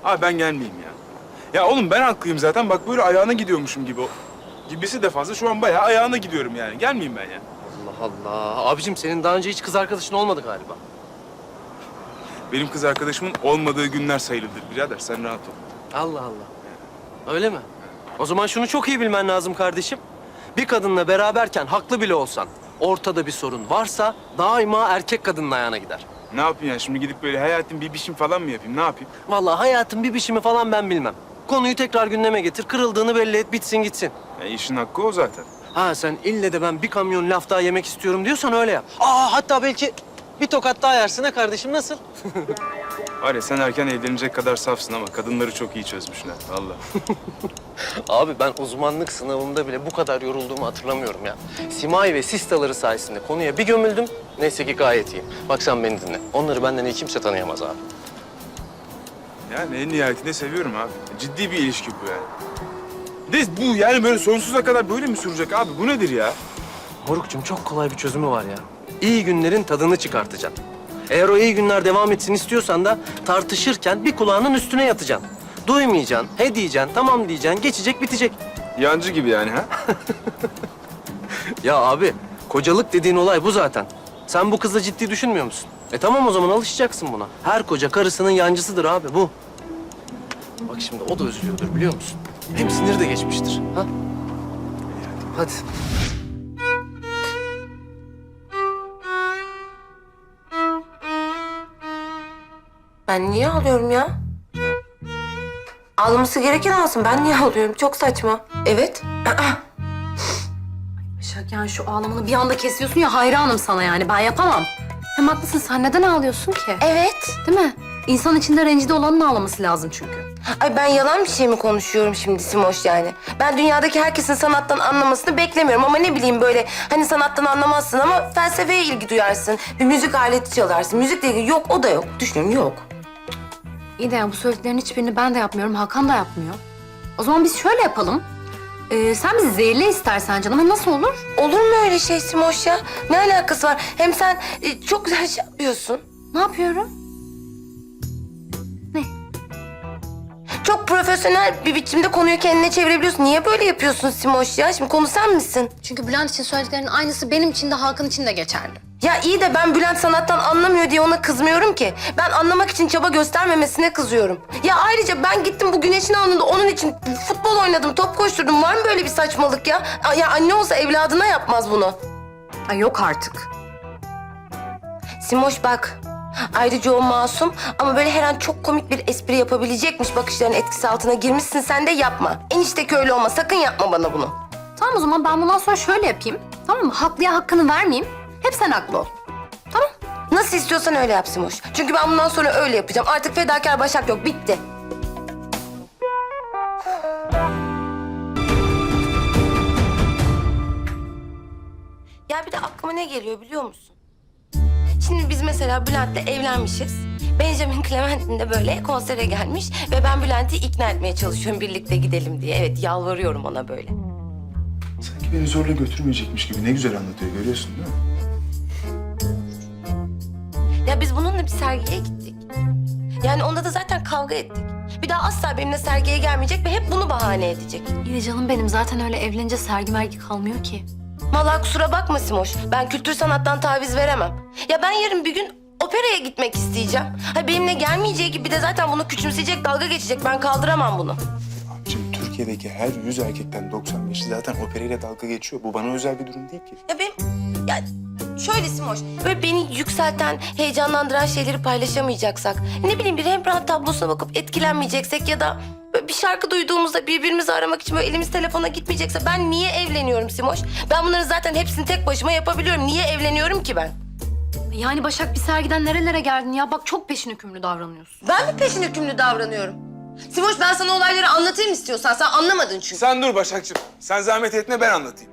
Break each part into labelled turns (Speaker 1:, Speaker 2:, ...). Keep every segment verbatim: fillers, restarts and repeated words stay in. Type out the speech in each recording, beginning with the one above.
Speaker 1: Abi ben gelmeyeyim ya. Ya oğlum ben haklıyım zaten. Bak böyle ayağına gidiyormuşum gibi. Gibisi de fazla. Şu an bayağı ayağına gidiyorum yani. Gelmeyeyim ben ya.
Speaker 2: Allah Allah. Abicim senin daha önce hiç kız arkadaşın olmadı galiba.
Speaker 1: Benim kız arkadaşımın olmadığı günler sayılıdır birader. Sen rahat ol.
Speaker 2: Allah Allah. Öyle mi? O zaman şunu çok iyi bilmen lazım kardeşim. Bir kadınla beraberken haklı bile olsan, ortada bir sorun varsa daima erkek kadının ayağına gider.
Speaker 1: Ne yapayım ya? Şimdi gidip böyle hayatım bir biçim falan mı yapayım? Ne yapayım?
Speaker 2: Vallahi hayatın bir biçimi falan ben bilmem. Konuyu tekrar gündeme getir, kırıldığını belli et, bitsin gitsin.
Speaker 1: Ya işin hakkı o zaten.
Speaker 2: Ha sen ille de ben bir kamyon laf daha yemek istiyorum diyorsan öyle yap. Aa hatta belki bir tokat daha yersin ha kardeşim, nasıl?
Speaker 1: Var ya sen erken evlenecek kadar safsın ama kadınları çok iyi çözmüşler. Vallahi.
Speaker 2: Abi ben uzmanlık sınavında bile bu kadar yorulduğumu hatırlamıyorum ya. Simay ve sistaları sayesinde konuya bir gömüldüm. Neyse ki gayet iyiyim. Bak sen beni dinle. Onları benden iyi kimse tanıyamaz abi.
Speaker 1: Yani en nihayetinde seviyorum abi. Ciddi bir ilişki bu yani. De bu yani böyle sonsuza kadar böyle mi sürecek abi? Bu nedir ya?
Speaker 2: Morukcuğum çok kolay bir çözümü var ya. İyi günlerin tadını çıkartacaksın. Eğer o iyi günler devam etsin istiyorsan da tartışırken bir kulağının üstüne yatacaksın. Duymayacaksın, he diyeceksin, tamam diyeceksin, geçecek bitecek.
Speaker 1: Yancı gibi yani ha?
Speaker 2: Ya abi, kocalık dediğin olay bu zaten. Sen bu kızla ciddi düşünmüyor musun? E tamam o zaman alışacaksın buna. Her koca karısının yancısıdır abi bu. Bak şimdi o da üzülüyordur biliyor musun? Hem siniri de geçmiştir. Ha? Hadi.
Speaker 3: Ben niye ağlıyorum ya? Ağlaması gereken ağlasın. Ben niye ağlıyorum? Çok saçma. Evet.
Speaker 4: Başak yani şu ağlamanı bir anda kesiyorsun ya, hayranım sana yani. Ben yapamam. Hem haklısın, sen neden ağlıyorsun ki?
Speaker 3: Evet.
Speaker 4: Değil mi? İnsan içinde rencide olanın ağlaması lazım çünkü.
Speaker 3: Ay ben yalan bir şey mi konuşuyorum şimdi Simoş yani? Ben dünyadaki herkesin sanattan anlamasını beklemiyorum ama ne bileyim böyle hani sanattan anlamazsın ama felsefeye ilgi duyarsın. Bir müzik aleti çalarsın. Müzikle ilgili yok, o da yok. Düşünüyorum yok.
Speaker 4: İyi de ya bu söylediklerin hiçbirini ben de yapmıyorum, Hakan da yapmıyor. O zaman biz şöyle yapalım. Ee, sen bizi zehirle istersen canım, ama nasıl olur?
Speaker 3: Olur mu öyle şey Simoş ya? Ne alakası var? Hem sen e, çok güzel şey yapıyorsun.
Speaker 4: Ne yapıyorum? Ne?
Speaker 3: Çok profesyonel bir biçimde konuyu kendine çevirebiliyorsun. Niye böyle yapıyorsun Simoş ya? Şimdi konu sen misin?
Speaker 4: Çünkü Bülent için söylediklerinin aynısı benim için de Hakan için de geçerli.
Speaker 3: Ya iyi de ben Bülent sanattan anlamıyor diye ona kızmıyorum ki. Ben anlamak için çaba göstermemesine kızıyorum. Ya ayrıca ben gittim bu güneşin alnında onun için futbol oynadım, top koşturdum. Var mı böyle bir saçmalık ya? Ya anne olsa evladına yapmaz bunu.
Speaker 4: Ay yok artık.
Speaker 3: Simoş bak. Ayrıca o masum ama böyle her an çok komik bir espri yapabilecekmiş bakışların etkisi altına girmişsin, sen de yapma. Enişteki öyle olma, sakın yapma bana bunu.
Speaker 4: Tamam o zaman ben bundan sonra şöyle yapayım. Tamam mı? Haklıya hakkını vermeyeyim. Hep sen haklı ol. Tamam.
Speaker 3: Nasıl istiyorsan öyle yap Simoş. Çünkü ben bundan sonra öyle yapacağım. Artık fedakar Başak yok, bitti. Ya bir de aklıma ne geliyor biliyor musun? Şimdi biz mesela Bülent'le evlenmişiz. Benjamin Clementine de böyle konsere gelmiş ve ben Bülent'i ikna etmeye çalışıyorum birlikte gidelim diye. Evet, yalvarıyorum ona böyle.
Speaker 1: Sanki beni zorla götürmeyecekmiş gibi ne güzel anlatıyor, görüyorsun değil mi?
Speaker 3: Ya biz bununla bir sergiye gittik. Yani onda da zaten kavga ettik. Bir daha asla benimle sergiye gelmeyecek ve hep bunu bahane edecek.
Speaker 4: İyi de canım benim zaten öyle evlenince sergi mergi kalmıyor ki.
Speaker 3: Vallahi kusura bakma Simoş. Ben kültür sanattan taviz veremem. Ya ben yarın bir gün operaya gitmek isteyeceğim. Ha benimle gelmeyeceği gibi de zaten bunu küçümseyecek, dalga geçecek. Ben kaldıramam bunu.
Speaker 1: Abicim Türkiye'deki her yüz erkekten doksan beşi zaten operayla dalga geçiyor. Bu bana özel bir durum değil ki.
Speaker 3: Ya benim... Ya şöyle Simoş, böyle beni yükselten, heyecanlandıran şeyleri paylaşamayacaksak... ...ne bileyim bir Rembrandt tablosuna bakıp etkilenmeyeceksek ya da... Böyle bir şarkı duyduğumuzda birbirimizi aramak için böyle elimiz telefona gitmeyecekse... ...ben niye evleniyorum Simoş? Ben bunları zaten hepsini tek başıma yapabiliyorum. Niye evleniyorum ki ben?
Speaker 4: Yani Başak bir sergiden nerelere geldin ya? Bak çok peşin hükümlü davranıyorsun.
Speaker 3: Ben mi peşin hükümlü davranıyorum? Simoş ben sana olayları anlatayım istiyorsan. Sen anlamadın çünkü.
Speaker 1: Sen dur Başakçığım. Sen zahmet etme, ben anlatayım.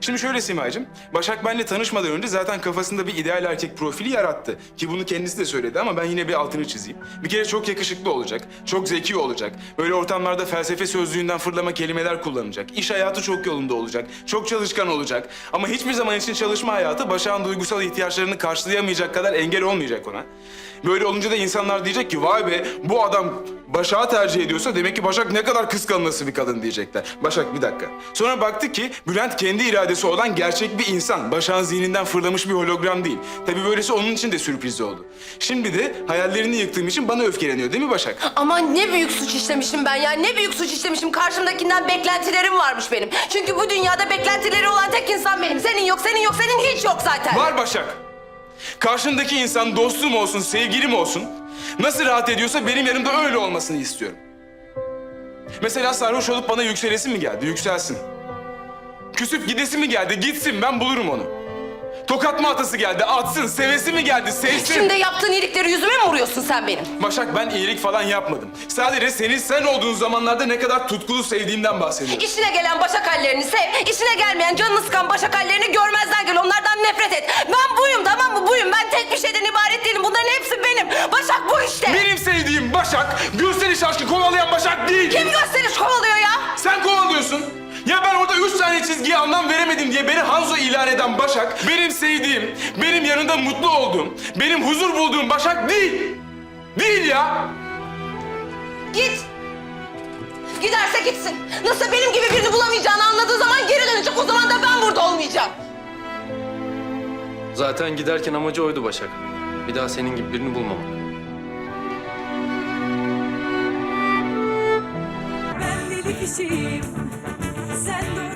Speaker 1: Şimdi şöyle Simacığım, Başak benimle tanışmadan önce zaten kafasında bir ideal erkek profili yarattı. Ki bunu kendisi de söyledi ama ben yine bir altını çizeyim. Bir kere çok yakışıklı olacak, çok zeki olacak. Böyle ortamlarda felsefe sözlüğünden fırlama kelimeler kullanacak. İş hayatı çok yolunda olacak, çok çalışkan olacak. Ama hiçbir zaman için çalışma hayatı Başak'ın duygusal ihtiyaçlarını karşılayamayacak kadar engel olmayacak ona. Böyle olunca da insanlar diyecek ki vay be bu adam Başak'ı tercih ediyorsa demek ki Başak ne kadar kıskanılası bir kadın diyecekler. Başak bir dakika. Sonra baktık ki Bülent kendi iradesi olan gerçek bir insan. Başak'ın zihninden fırlamış bir hologram değil. Tabii böylesi onun için de sürpriz oldu. Şimdi de hayallerini yıktığım için bana öfkeleniyor değil mi Başak?
Speaker 3: Aman ne büyük suç işlemişim ben ya. Ne büyük suç işlemişim. Karşımdakinden beklentilerim varmış benim. Çünkü bu dünyada beklentileri olan tek insan benim. Senin yok, senin yok, senin hiç yok zaten.
Speaker 1: Var Başak. Karşındaki insan dostum olsun, sevgilim olsun. Nasıl rahat ediyorsa benim yanımda öyle olmasını istiyorum. Mesela sarhoş olup bana yükselesi mi geldi? Yükselsin. Küsüp gidesi mi geldi? Gitsin, ben bulurum onu. Tokat mı atası geldi? Atsın. Sevesi mi geldi? Sevsin.
Speaker 3: Şimdi yaptığın iyilikleri yüzüme mi vuruyorsun sen benim?
Speaker 1: Başak ben iyilik falan yapmadım. Sadece senin sen olduğun zamanlarda ne kadar tutkulu sevdiğimden bahsediyorum.
Speaker 3: İşine gelen başak hallerini sev, işine gelmeyen canını sıkan başak hallerini görmezden gel. Onlardan nefret et. Ben buyum, tamam mı? Buyum. Ben tek bir şeyden ibaret değilim. Bunların hepsi benim. Başak bu işte.
Speaker 1: Benim sevdiğim Başak, gösteriş aşkı kovalayan Başak değil.
Speaker 3: Kim gösteriş kovalıyor ya?
Speaker 1: Sen kovalıyorsun. Ya ben orada üç tane çizgiye anlam veremedim diye beni Hanzo ilan eden Başak, benim sevdiğim, benim yanında mutlu olduğum, benim huzur bulduğum Başak değil. Değil ya.
Speaker 3: Git. Giderse gitsin. Nasıl benim gibi birini bulamayacağını anladığı zaman geri dönecek. O zaman da ben burada olmayacağım.
Speaker 2: Zaten giderken amacı oydu Başak. Bir daha senin gibi birini bulmamak.
Speaker 5: Ben deli kişiyim, sen de